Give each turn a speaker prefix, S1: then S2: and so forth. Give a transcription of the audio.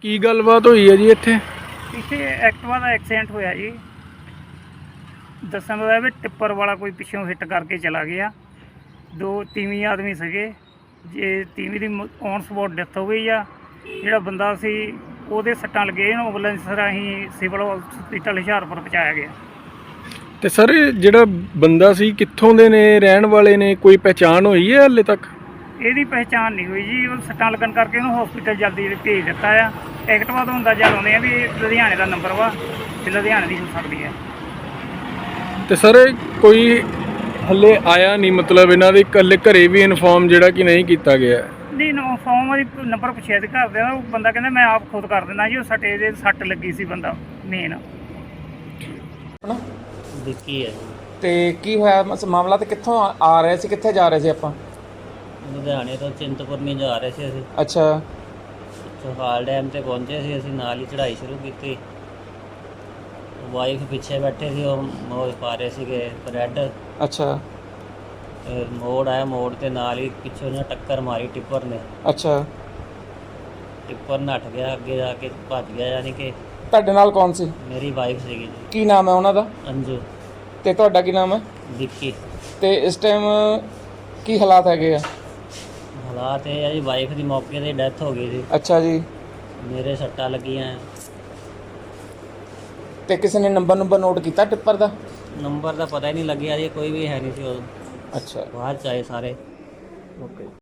S1: ਕੀ ਗੱਲਬਾਤ ਹੋਈ ਹੈ ਜੀ ਇੱਥੇ?
S2: ਇੱਥੇ ਐਕਟਿਵਾ ਦਾ ਐਕਸੀਡੈਂਟ ਹੋਇਆ ਜੀ। ਦੱਸਣ ਦਾ ਵੀ ਟਿੱਪਰ ਵਾਲਾ ਕੋਈ ਪਿੱਛੋਂ ਹਿੱਟ ਕਰਕੇ ਚਲਾ ਗਿਆ। ਦੋ ਤੀਵੀਂ ਆਦਮੀ ਸੀਗੇ, ਜੇ ਤੀਵੀਂ ਦੀ ਔਨ ਸਪੋਟ ਡੈਥ ਹੋ ਗਈ ਆ। ਜਿਹੜਾ ਬੰਦਾ ਸੀ ਉਹਦੇ ਸੱਟਾਂ ਲੱਗੇ, ਇਹਨੂੰ ਐਂਬੂਲੈਂਸ ਰਾਹੀਂ ਸਿਵਲ ਹਸਪੀਟਲ ਹੁਸ਼ਿਆਰਪੁਰ ਪਹੁੰਚਾਇਆ ਗਿਆ।
S1: ਤੇ ਸਰ ਜਿਹੜਾ ਬੰਦਾ ਸੀ ਕਿੱਥੋਂ ਦੇ ਨੇ, ਰਹਿਣ ਵਾਲੇ ਨੇ, ਕੋਈ ਪਹਿਚਾਣ ਹੋਈ ਹੈ ਹਾਲੇ ਤੱਕ?
S2: ਇਹਦੀ ਪਹਿਚਾਣ ਨਹੀਂ ਹੋਈ ਜੀ। ਉਹ ਸੱਟਾਂ ਲੱਗਣ ਕਰਕੇ ਉਹਨੂੰ ਹਸਪੀਟਲ ਜਲਦੀ ਭੇਜ ਦਿੱਤਾ ਆ। ਐਕਟਿਵਾ ਤੋਂ ਅੰਦਾਜ਼ਾ ਲਾਉਂਦੇ ਆ ਵੀ ਇਹ ਲੁਧਿਆਣੇ ਦਾ ਨੰਬਰ ਵਾ ਤੇ ਲੁਧਿਆਣੇ ਦੀ ਹੋ ਸਕਦੀ ਹੈ।
S1: ਤੇ ਸਰ ਕੋਈ ਹੱਲੇ ਆਇਆ ਨਹੀਂ, ਮਤਲਬ ਇਹਨਾਂ ਦੇ ਇਕੱਲੇ ਘਰੇ ਵੀ ਇਨਫੋਰਮ ਜਿਹੜਾ ਕਿ ਨਹੀਂ ਕੀਤਾ ਗਿਆ?
S2: ਨਹੀਂ, ਫੋਮ ਦੀ ਨੰਬਰ ਪੁੱਛਿਆ ਸੀ ਘਰ ਦੇ, ਉਹ ਬੰਦਾ ਕਹਿੰਦਾ ਮੈਂ ਆਪ ਖੁਦ ਕਰ ਦਿੰਦਾ ਜੀ। ਉਹ ਸੱਟੇ ਦੇ ਸੱਟ ਲੱਗੀ ਸੀ ਬੰਦਾ ਮੇਨ।
S3: ਵਿੱਕੀ ਹੈ।
S4: ਤੇ ਕੀ ਹੋਇਆ ਮਾਮਲਾ, ਤੇ ਕਿੱਥੋਂ ਆ ਰਹੇ ਸੀ, ਕਿੱਥੇ ਜਾ ਰਹੇ ਸੀ ਆਪਾਂ?
S3: ਲੁਧਿਆਣੇ ਤੋਂ ਚਿੰਤਪੁਰਨੀ ਜਾ ਰਹੇ ਸੀ ਅਸੀਂ।
S4: ਅੱਛਾ।
S3: ਚੌਹਾਲ ਡੈਮ ਤੇ ਪਹੁੰਚੇ ਸੀ ਅਸੀਂ, ਨਾਲ ਹੀ ਚੜ੍ਹਾਈ ਸ਼ੁਰੂ ਕੀਤੀ। ਵਾਈਫ ਪਿੱਛੇ ਬੈਠੇ ਸੀ, ਉਹ ਮੋੜ ਪਾ ਰਹੇ ਸੀਗੇ ਬਰੈਡ।
S4: ਅੱਛਾ।
S3: ਮੋੜ ਆਇਆ, ਮੋੜ ਤੇ ਨਾਲ ਹੀ ਪਿੱਛੋਂ ਨਾ ਟੱਕਰ ਮਾਰੀ ਟਿੱਪਰ ਨੇ।
S4: ਅੱਛਾ।
S3: ਟਿੱਪਰ ਨੱਠ ਗਿਆ, ਅੱਗੇ ਜਾ ਕੇ ਭੱਜ ਗਿਆ। ਯਾਨੀ ਕਿ
S4: ਤੁਹਾਡੇ ਨਾਲ ਕੌਣ ਸੀ?
S3: ਮੇਰੀ ਵਾਈਫ ਸੀਗੀ ਜੀ,
S4: ਕੀ ਨਾਮ ਹੈ ਉਹਨਾਂ ਦਾ?
S3: ਅੰਜੂ।
S4: ਤੇ ਤੁਹਾਡਾ ਕੀ ਨਾਮ ਹੈ?
S3: ਵਿੱਕੀ।
S4: ਤੇ ਇਸ ਟਾਈਮ ਕੀ ਹਾਲਾਤ ਹੈਗੇ ਆ?
S3: ਹਾਲਾਤ ਇਹ ਆ ਜੀ, ਵਾਈਫ ਦੀ ਮੌਕੇ 'ਤੇ ਡੈਥ ਹੋ ਗਈ ਸੀ।
S4: ਅੱਛਾ ਜੀ।
S3: ਮੇਰੇ ਸੱਟਾਂ ਲੱਗੀਆਂ।
S4: ਤੇ ਕਿਸੇ ਨੇ ਨੰਬਰ ਨੋਟ ਕੀਤਾ ਟਿੱਪਰ ਦਾ?
S3: ਨੰਬਰ ਦਾ ਪਤਾ ਹੀ ਨਹੀਂ ਲੱਗਿਆ ਜੀ, ਕੋਈ ਵੀ ਹੈ ਨਹੀਂ ਸੀ ਉਦੋਂ।
S4: ਅੱਛਾ।
S3: ਬਾਅਦ 'ਚ ਆਏ ਸਾਰੇ।
S4: ਓਕੇ।